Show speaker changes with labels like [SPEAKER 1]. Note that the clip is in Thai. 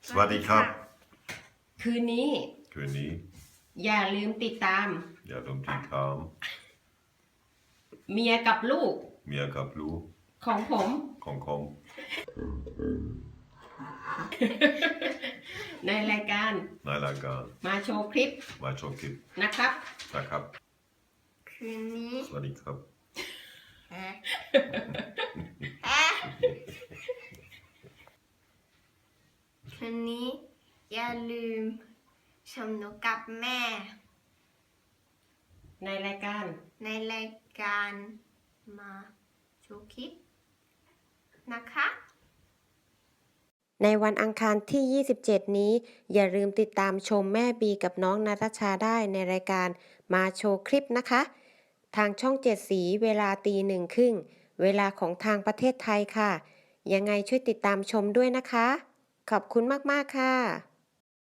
[SPEAKER 1] สวัสดีครับ
[SPEAKER 2] คืนนี้อย่าลืมติดตาม เมียกับลูกของผม ในรายการมาโชว์คลิปนะครับ
[SPEAKER 1] คืนนี้
[SPEAKER 3] สวัสดีครับ
[SPEAKER 1] คืนนี้อย่าลืมชมหนูกับแม่
[SPEAKER 2] ในราย
[SPEAKER 1] การมาโชว์คลิปนะคะ
[SPEAKER 4] ในวันอังคารที่ 27 นี้อย่าลืมติดตามชมแม่บีกับน้องณัฐชาได้ในรายการมาโชว์คลิปนะคะทางช่อง7สีเวลา1:30 เวลาของทางประเทศไทยค่ะยังไงช่วยติดตามชมด้วยนะคะขอบคุณมากๆค่ะ